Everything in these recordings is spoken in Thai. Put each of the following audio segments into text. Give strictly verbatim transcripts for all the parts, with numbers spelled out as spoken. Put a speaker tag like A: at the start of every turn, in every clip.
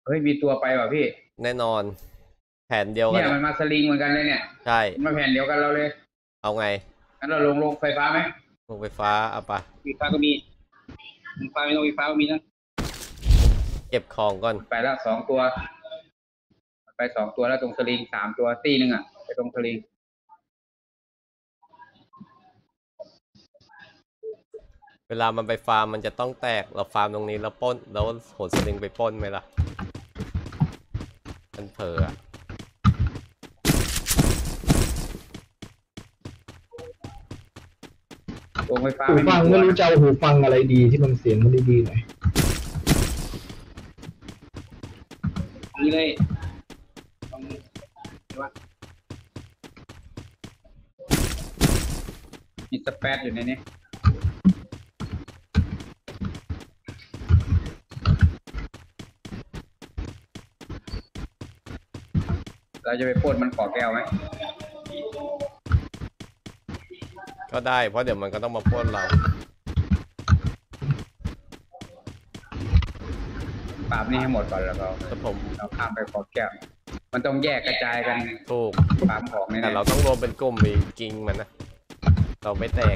A: เฮ้ยมีตัวไปว่ะพี่
B: แน่นอนแผนเดียวกัน
A: เนี่ยมันมาสลิงเหมือนกันเลยเนี่ย
B: ใช่
A: มาแผนเดียวกันเราเลย
B: เอาไง
A: งั้นเราลงลงไฟฟ้าไหม
B: ลงไฟฟ้าเอาปะ
A: ไฟฟ้าก็มีไฟไม่ต้องไฟฟ้าก็มีนะ
B: เก็บของก่อน
A: ไปแล้วสองตัวไปสองตัวแล้วตรงสลิงสามตัวตีหนึ่งอ่ะไปตรงสลิง
B: เวลามันไปฟาร์มมันจะต้องแตกเราฟาร์มตรงนี้แล้วป้นแล้วโหนสลิงไปป้นไหมล่ะมันเผลอ
A: ตรงไฟฟ้า
C: หูฟังไม่รู้จะเอาหูฟังอะไรดีที่มันเสียงมันดีๆหน่อย
A: นี่เลยมีสเปซอยู่ในนี้เราจะไปปล้นมันขอแก้วไหม
B: ก็ได้เพราะเดี๋ยวมันก็ต้องมาป้นเรา
A: ปราบนี่ให้หมดก่อนแล้วก็
B: แต่ผม
A: เราข้ามไปขอแก้วมันต้องแยกกระจายกัน
B: ถูก
A: ปราบของเนี่ย
B: แต่เราต้องรวมเป็นกลุ่มมีกิงมันนะเราไม่แตก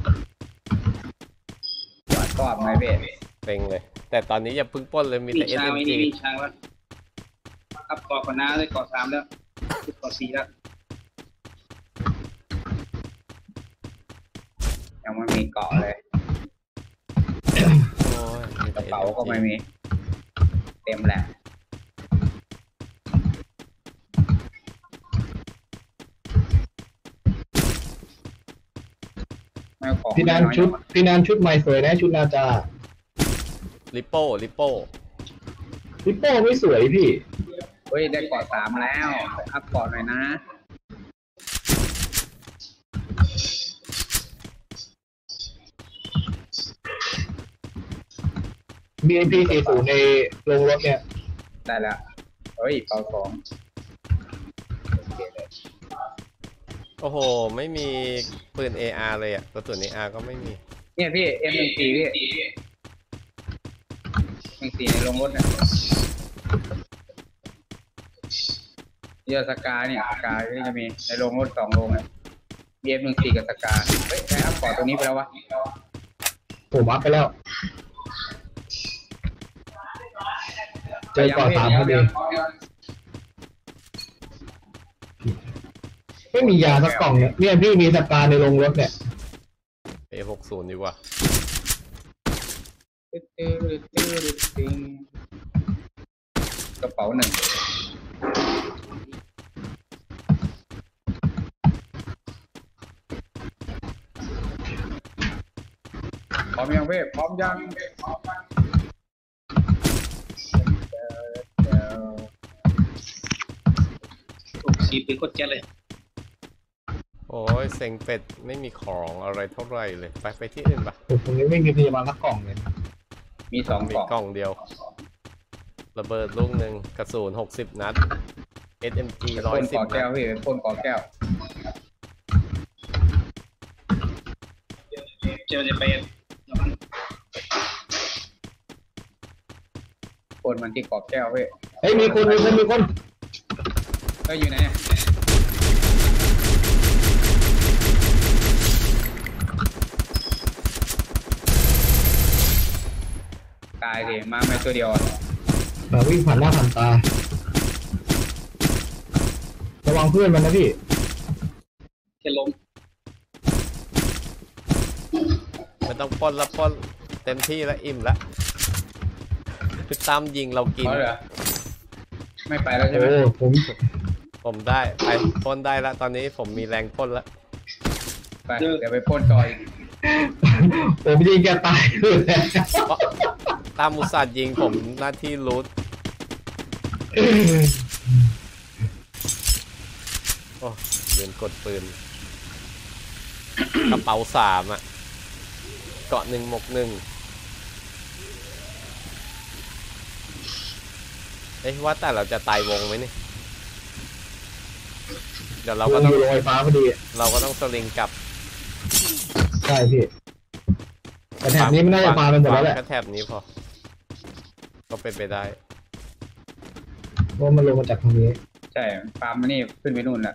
A: กวาดกรอบไหมเบ้
B: เต็งเลยแต่ตอนนี้อย่าพึ่งป้นเลยมีแต่ เอส เอ็ม จี
A: มีช้างแล้วอัพกอก่อนนะได้กอสามแล้วกอสี่แล้วยังไม่มีเกาะเลยกระเป๋าก็ไม่มีเต็มแหละ
C: พี่นันชุดพี่นันชุดใหม่สวยนะชุดนาจา
B: ลิปโป้ลิปโป้
C: ลิปโป้ไม่สวยพี่
A: เฮ้ยได้เกาะสามแล้วอัพเกาะหน่อยนะ
C: บี เอ็ม พี สี่สิบในโรงรถเนี่ย
A: ได้แล้วเฮ้ยเป่าสอง
B: โอ้โหไม่มีปืน เอ อาร์ เลยอ่ะกระสุน เอ อาร์ ก็ไม่มี
A: เนี่ยพี่ เอ็ม หนึ่งสี่พี่หนึ่งสี่ในโรงรถเนี่ยเยอะสกาเนี่ยสกาที่จะมีในโรงรถสองโรงเนี่ยเอ็ม หนึ่งสี่กับสกาเฮ้ยได้อัพเกาะตัวนี้ไปแล้ววะ
C: ผมอัพไปแล้วเจอก่อนสามพอดีไม่มียาสักกล่องเนี่ยเนี่ยพี่มีสกาในโรงรถเนี่ย
B: เอ หกสิบ ดีกว่
A: ากระเป๋าหนึ่งพร้อมยังเว้ยพร้อมยังชีพเป็นคนแก่เลย
B: โอ้ยเซ็งเป็ดไม่มีของอะไรเท่าไหร่เลยไปไปที่อื่นปะ
C: ผมยังไม่มีพยาบาลสักกล่องเลย
A: มีสอง
B: มีกล่องเดียวระเบิดลูกหนึ่งกระสุนหกสิบนัด เอส เอ็ม จี ร้อยสิบ
A: แก้วพี่พ่นกอแก้วเจอจะเป็นพ่นมันที่กอแก้วพี่
C: เฮ้ยมีคนมีคนมีคน
A: เฮ้ยอยู่ไหนตายดิมาไม่ตัวเดียว
C: มาวิ่งผ่านหน้าผ่านตาระวังเพื่อนมันนะพี่
A: แค่ล้ม
B: ไม่ต้องป้นแล้วป้นเต็มที่แล้วอิ่มแล้วคือตามยิงเรากิน
A: ไม่ไปแล้วใช่ไหม
C: ผม
B: ผมได้ไปป้นได้แล้วตอนนี้ผมมีแรงป้นแล้ว
A: ไปเดี๋ยวไปป้นต่อย
C: ผมยิงแกตายเลย
B: ตามอุตส่าห์ยิงผมหน้าที่รูทโอ้เรียนกดปืนกระเป๋าสามอ่ะเกาะหนึ่งหมกหนึ่งเอ้ยว่าแต่เราจะตายวงไหมนี่เดี๋ยวเราก็ต้อง
C: ลอยฟ้าพอดี
B: เราก็ต้องสลิงกลับ
C: ใช่พี่แต่แถบนี้ไม่น่าจะปาเป็นหมดแล้วแหละ
B: แค่แถบนี้พอก็เป็นไปได้
C: เพราะมันลงมาจากทางนี้
A: ใช่ฟาร์มมันนี่ขึ้นไปนู่นแหละ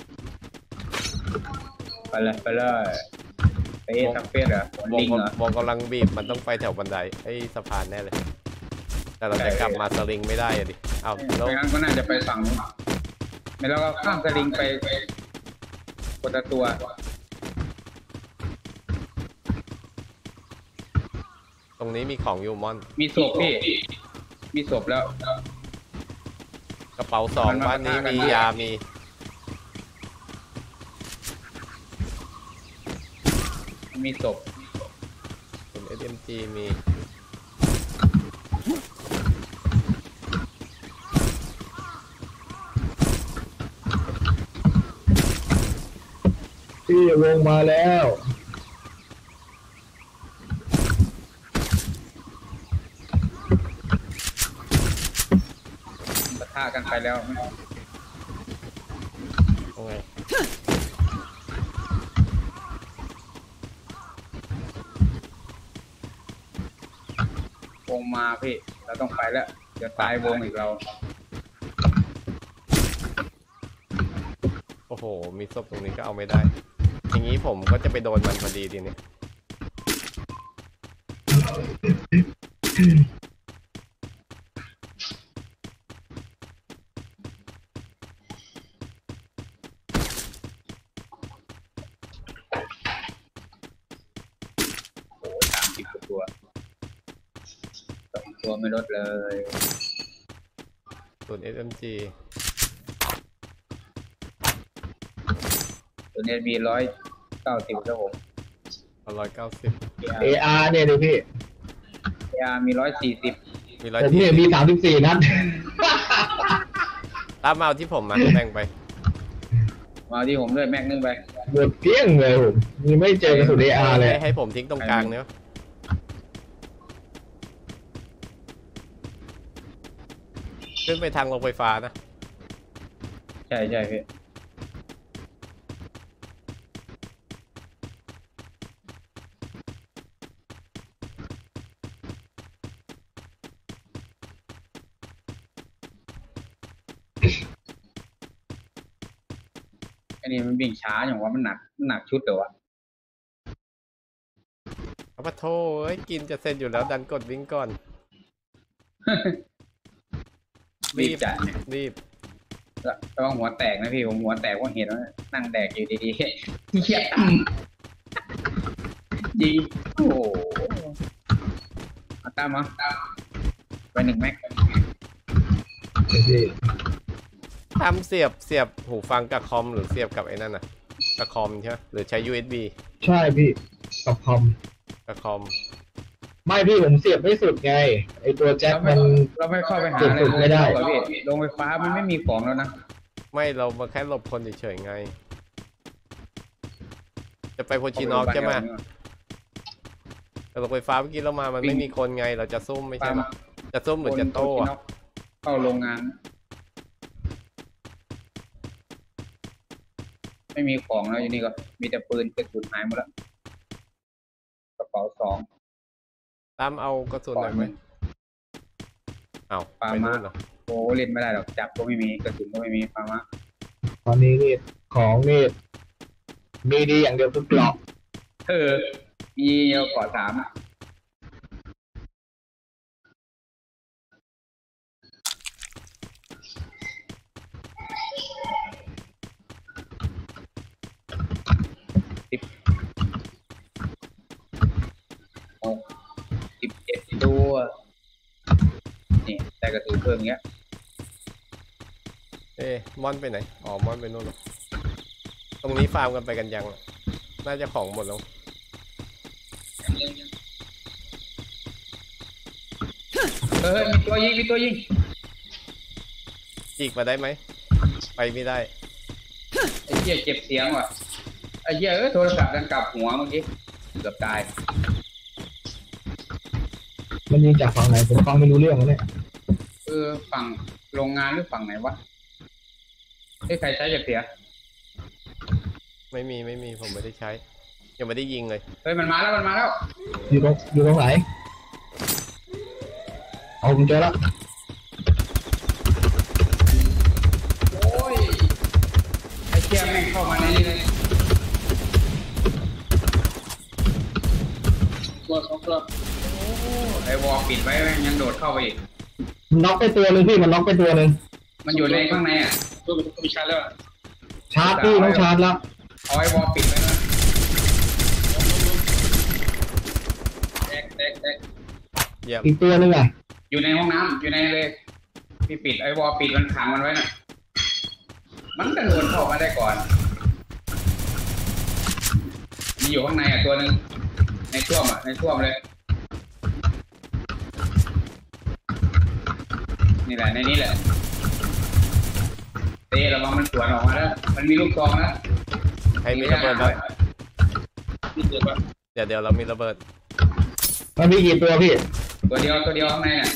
A: ไปเลยไปเลยไปเอทักเฟสเหรอ
B: วง
A: ลิงเหรอ
B: วงกำลังบีบมันต้องไปแถวบันไดไอ้สะพานแน่เลย แต่เราจะกลับมาสลิงไม่ได้อะดิเอาแล้ว
A: ไม่งั้นก็น่าจะไปฝั่งนู้นไม่แล้วก็ข้ามสลิงไปคนละตัว
B: ตรงนี้มีของอยู่มอน
A: มีศพพี่มีศพแล้ว
B: กระเป๋าสอง
A: มันมา
B: บ้านนี้
A: ปะทะกัน
B: มียามี
A: มีศพ
B: เป็น เอส เอ็ม จี มี
C: พี่วงมาแล้ว
A: ปะทะกันไปแล้ว
B: โอเค
A: วงมาพี่เราต้องไปแล้วเดี๋ยวตายวงอีกเรา
B: โอ้โห มีศพตรงนี้ก็เอาไม่ได้ อย่างนี้ผมก็จะไปโดนมันพอดีทีนี้
A: โอ้สามสิบกว่าตัวสองตัวไม่ลดเลย
B: ส่วน เอส เอ็ม จี
A: ตัวนี้มีร้อยเก้าสิบครับผม
B: ร้อยเก้าสิบ
C: เออาร์เนี่ยดูพี่
A: ยามีร้อยสี่สิบ
B: มีร้อย
C: ผม
B: ที่
C: เนี่ยมีสามสิบสี่นัด
B: ตามมาเอาที่ผมมาแบ่งไป
A: มาที่ผมด้วยแม็กนึงไป
C: หมดเกลี้ยงเลยผมมีไม่เจอกระสุนเออาร์เลย
B: ให้ให้ผมทิ้งตรงกลางเนาะขึ้นไปทางโรงไฟฟ้านะ
A: ใช่ใช่พี่อันนี้มันวิ่งช้าอย่างว่ามันหนักมันหนักชุดเหรอวะ
B: เอาปะโทเอ้ยกินจะเสร็จอยู่แล้วดันกดวิ่งก่อน
A: รีบจัดเนี่ย
B: รีบ
A: ระวังหัวแตกนะพี่ผมหัวแตกเพราะเห็นว่านั่งแดกอยู่ดีๆเหี้ยยิงโอ้โหเอาตามมาไปหนึ่งแม็ก
C: พี่
B: ทำเสียบเสียบหูฟังกับคอมหรือเสียบกับไอ้นั่นน่ะกับคอมใช่ไหมหรือใช้ ยู เอส บี
C: ใช่พี่กับคอม
B: กับคอม
C: ไม่พี่ผมเสียบไม่สุดไงไอตัวแจ็ค
A: เราไม่
C: มัน
A: เราไม่เข้าไปหา
C: เก็บ
A: อะไร
C: สุดไม่ได้
A: เหรอพี่โรงไฟฟ้ามันไม่มีของแล้วนะ
B: ไม่เรามาแค่หลบคนเฉยๆไง จะไปโพชินอกใช่ไหมแต่โรงไฟฟ้าเมื่อกี้เรามามันไม่มีคนไงเราจะซุ่มไม่ใช่หรอจะซุ่มหรือจะโต้อะ
A: เข้าโรงงาน ไม่มีของแล้วอยู่นี่ก็มีแต่ปืนกระสุนหายหมดแล้วกระเป๋าสอง
B: ตามเอากระสุนหน่อยไหมเอา
A: ปา
B: ไป
A: มา
B: นู่นเหรอ
A: โอ้เล่นไม่ได้หรอกจับก็ไม่มีกระสุนก็ไม่มีฟาร์มะ
C: ตอนนี้นี่ของนี่มีดีอย่างเดียวคือเกราะ
A: เออมีเยอะกว่าสามอะสิบหกสิบเจ็ดตัวนี่ได้กระสุนเพิ่มเงี้ย
B: เอ๊ะมอนไปไหนอ๋อมอนไปนู่นเหรอตรงนี้ฟาร์มกันไปกันยังอะน่าจะของหมดแล้ว
A: เออมีตัวยิงมีตัวยิง
B: จีกมาได้ไหมไปไม่ได้
A: ไอ้เหี้ยเจ็บเสียงว่ะไอ้เหี้ยเออโทรศัพท์ดันกลับหัวเมื่อกี้เกือบตาย
C: มันยิงจากฝั่งไหนผมฟังไม่รู้เรื่องแล้วเนี่ย
A: เออฝั่งโรงงานหรือฝั่งไหนวะไอ้ยใครใช้จะเสีย
B: ไม่มีไม่มีผมไม่ได้ใช้ ยังไม่ได้ยิงเลย
A: เฮ้ยมันมาแล้วมันมาแล้ว
C: อยู่ตรงอยู่ตรงไหนเอาผมเจอแล้ว
A: ตัวไอ้วอลปิดไว้ยังโดดเข้าไปอีก
C: มันน็อกไปตัวหนึ่งพี่มันน็อกไปตัวหนึ่ง
A: มันอยู่ในข้างในอ่ะตัวมันต้องมีชาร์จแล้ว
C: ชาร์จพี่ต้องชาร์จแล้ว
A: เอาไอ้วอลปิดไว้นะแตกแตกแตก
C: อีกตัวหนึ่งอ่ะ
A: อยู่ในห้องน้ำอยู่ในเลยพี่ปิดไอ้วอลปิดมันขังมันไว้น่ะมันกระโดดเข้ามาได้ก่อนมีอยู่ข้างในอ่ะตัวหนึ่งในช่วมอ่ะในช่วมเลยนี่แหละในนี้แหละเต้ระวังมันสวนออกมาแล้วมันมีลูกซองนะ
B: ใครมีระเบิดบ้างเดี๋ยวเดี๋ยวเรามีระเบิด
C: มันมีกี่ตัวพี่
A: ตัวเดียวตัวเดียวข้างในน่ะ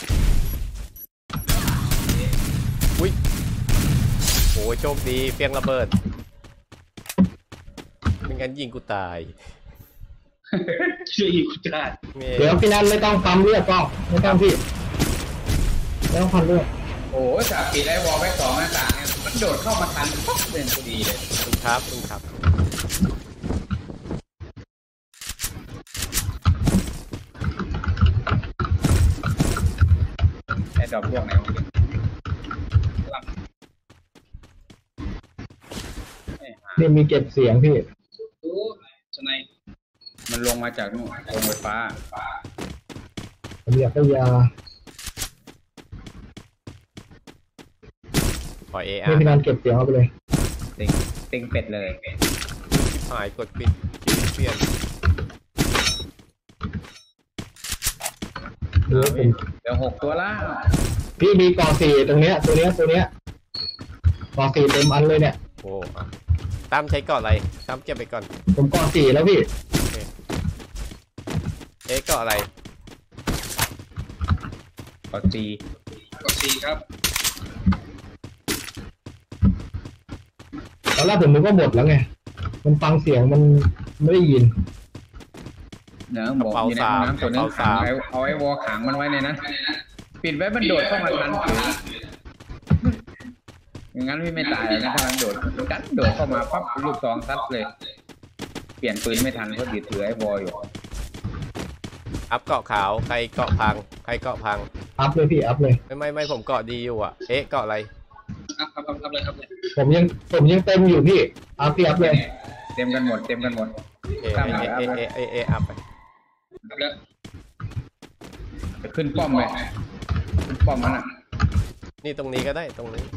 B: อุ้ยโอ้โชคดีเฟี้ยงระเบิดไม่งั้นยิงกูตาย
A: ชื่อยิงกูตาย
C: เดี๋ยวพี่นันไม่ต้องปั๊มเลือดก็ไม่ต้องพี่ไม่ต้องพันเลือด
A: โอ้จากปิดไอ้วอลไว้สองหน้าต่างเนี่ยมันโดดเข้ามาทันปุ๊บเป็นพอดีเลย
B: คุณครับคุณครับ
A: ไอ้ดอกพวกไหนวะ
C: นี่มีเก็บเสียงพี่
A: มันลงมาจากนู่นโรงไฟฟ้า
C: ผมอยากได้ยา
B: ขอเออาร์
C: พี่นันเก็บเสียงเอาไปเลย
A: ติงติงเป็ดเลย
B: หายกดปิดเปลี่ยน
A: เดี๋ยวหกตัวละ
C: พี่มีกอสี่ตรงเนี้ยตัวเนี้ยตัวเนี้ยกอสี่เต็มอันเลยเนี่ย
B: โอ้ตามใช้เกาะอะไรตามเก็บไปก่อน
C: ผมกอสี่แล้วพี่
B: เอ๊ะเกาะอะไร
A: เกาะสี่เกาะสี่ครับ
C: ตอนแรกผมนึกว่าหมดแล้วไงมันฟังเสียงมันไม่ได้ยิน
A: เนื้อบอกอยู่ในห้องน้ำตัวนึงขังไว้เอาไอ้วอขังมันไว้ในนั้นปิดไว้มันโดดเข้ามาทันอย่างนั้นพี่ไม่ตายนะถ้ามันโดดกันโดดเข้ามาปั๊บลูกซองซัดเลยเปลี่ยนปืนไม่ทันเพราะถือถือไอ้วออยู่
B: อัพเกาะขาวใครเกาะพังใครเกาะพัง
C: อัพเลยพี่อัพเลย
B: ไม่ไม่ไม่ผมเกาะดีอยู่อ่ะเอ๊ะเกาะอะไร
A: อัพอัพอัพเลยครับ
C: ผมยังผมยังเต็มอยู่พี่อัพพี่อัพเลย
A: เต็มกันหมดเต็มกันหมด
B: เอ๊ะเอ๊ะเอ๊ะเอ๊ะเอ๊ะอัพไป
A: อัพแล้วจะขึ้นป้อมไปขึ้นป้อมมันอ่ะ
B: นี่ตรงนี้ก็ได้ตรงนี้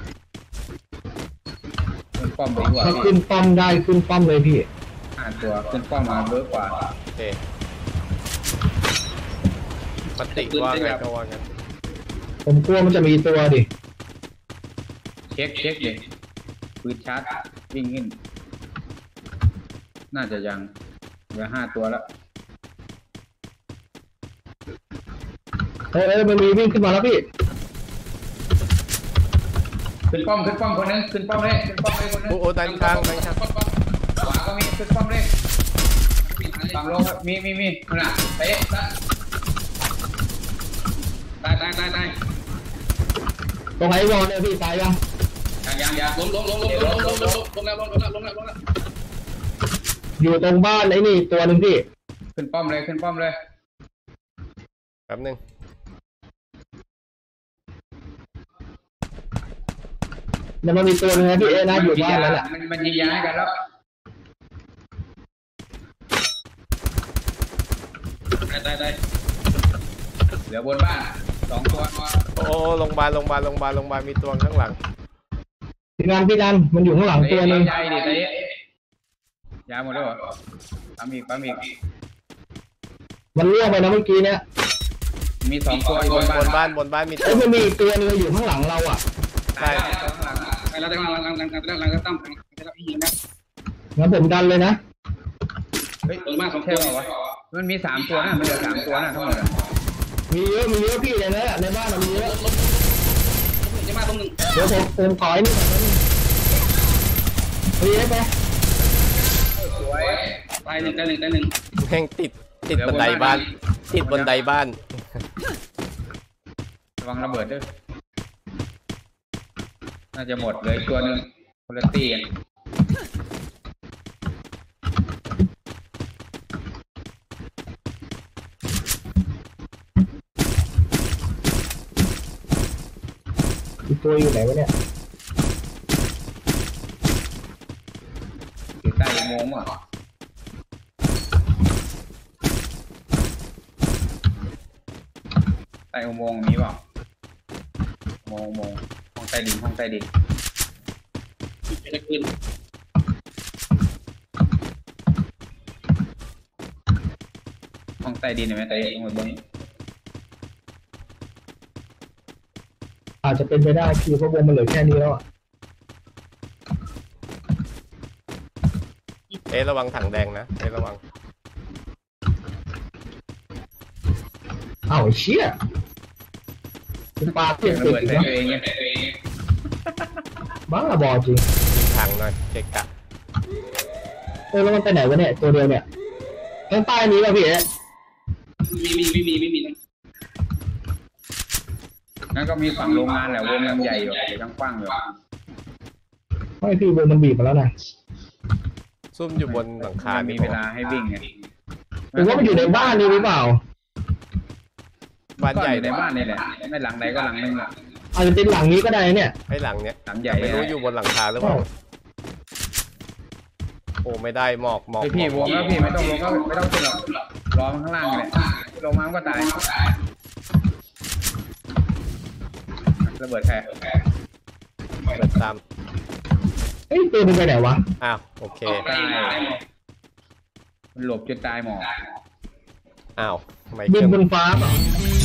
A: ขึ้นป้อมดีกว่า
C: ถ้าขึ้นป้อมได้ขึ้นป้อมเลยพี่
A: อ่านตัวขึ้นป้อมมาเยอะกว่า
B: โอเคปฏิว่าไงก็ว่างั้น
C: ผมกลัวมันจะมีตัวดิ
A: เช็คเช็คเลยปืนชาร์จวิ่งขึ้นน่าจะยังเหลือห้าตัวแล้ว
C: เออเออมันมีวิ่งขึ้นมาแล้วพี่
A: ขึ้นป้อมขึ้นป้อมคนนึงขึ้นป้อมเลยขึ้นป้อมเลยคนนึง
B: โอ้โหด้านข้างด้านข้าง
A: ขวาก็มีขึ้นป้อมเลยฝั่งลงมีมีมีขนาดเตะตายตายตายตาย
C: ตรงไหนวอลเนี่ยพี่ตายยัง
A: ยังยังยังล้มล้มล้มล้มล้มล้มล้มล้มแล้วล้มแล้วล้มแล้วล้มแล้ว
C: อยู่ตรงบ้านไอ้นี่ตัวหนึ่งพี่
A: ขึ้นป้อมเลยขึ้นป้อมเลย
B: แป๊บนึง
C: มันมีตัวนึงนะพี่เอ๊นะอยู่บ้านแล้วแหละ
A: มันมันยิงยาให้กันแล้วได้ได้ได้เหลือบนบ้านสองตัว
B: โอ้โรงพยาบาลโรงพยาบาลโรงพยาบาลโรงพยาบาลมีตัวข้างหลัง
C: พี่ดันพี่ดันมันอยู่ข้างหลังตัวนึง
A: ยาดิเตะยาหมดแล้วเหรอปั๊มอีกปั๊มอีก
C: มันเลี้ยงไปนะเมื่อกี้เนี่ย
A: มีสองตัวบนบ้าน
B: บนบ้านบนบ้านมีตัว
C: มันมีตัวนึงอยู่ข้างหลังเราอ่ะ
A: ใช่ข้างหลังไปแล้วข้างหลังหลังหลังหลังหลังก็ตั้มไปแล้วพี่ยิงนะ
C: งั้นผมดันเลยนะ
A: เฮ้ยมากสองตัวเหรอวะมันมีสามตัวนะมันเหลือสามตัวนะทั้งหมด
C: มีเยอะมีเยอะพี่เลยนะในบ้านมีเยอะ
A: จะมาตรงหนึ่ง
C: เดี๋ยวผมผมถอยนี่ก่อนนะมีได้ไหม
A: สวยตายหนึ่งตายหนึ่งตายหนึ่ง
B: แม่งติดติดบันไดบ้านติดบันไดบ้าน
A: ระวังระเบิดด้วยน่าจะหมดเลยตัวหนึ่งคนละตีกัน
C: อีกตัวอยู่ไหนวะเนี่ย
A: อยู่ใต้อุโมงค์อ่ะใต้อุโมงค์มีเปล่าอุโมงค์อุโมงค์ห้องใต้ดินห้องใต้ดินไม่ได้ขึ้นห้องใต้ดินเห็นไหมใต้ดินบนนี้
C: อาจจะเป็นไปได้พี่เพราะวงมันเหลือแค่นี้แล้วอ่ะ
B: เอ๊ะระวังถังแดงนะเอ๊ะระวัง
C: อ้าวเชี่ยคุณปลาเพี้ยน
A: ระ
C: ติด
A: เบิด
C: อีก
A: ใส่
C: แล้ว
A: ตัวเองเนี่ย
C: บ้าบอจริง
B: ยิงถังหน่อยเกะกะ
C: เออแล้วมันไปไหนวะเนี่ยตัวเดียวเนี่ยข้างใต้นี้ป่ะพี่เอ๊ะ
A: มีมีไม่มีไม่มีนั่นก็มีฝั่งโรงงานแหละวงมันใหญ่อยู่เดี๋ยวกว้างอยู่
C: ไม่พี่วงมันบีบมาแล้วนะ
B: ซุ่มอยู่บนหลังคา
A: มี
B: นี่
A: เว
B: บอก
A: ลาให้วิ่งไง
C: หรือว่ามันอยู่ในบ้านนี่หรือเปล่า
B: บ้าน
A: ก็
B: ใหญ่
A: อยู่ในบ้านนี่แหละไม่หลังใดก็หลังนึงอ่ะ
C: อาจจะเป็นหลังนี้ก็ได้เนี่ย
B: ไอ้หลังเนี้ย
A: หลังใหญ่
B: ไม่รู้อยู่บนหลังคาหรือเปล่าโอ้ไม่ได้หมอกหมอก
A: ไอพี่
B: หม
A: ว
B: อก
A: งแล้วพี่ไม่ต้องลงก็ไม่ต้องขึ้นหรอกรอมันข้างล่างเลยลงมามันก็ตายระเบิดแค่
B: เปิดตาม
C: เอ้ยตัวมันไปไหนวะ
B: อ้าวโอเค
A: ตายมันหลบจนตายหมอ
B: อ้าวทำไม
C: บิ
B: เคน รื่อง
C: บนฟ้าเปล่า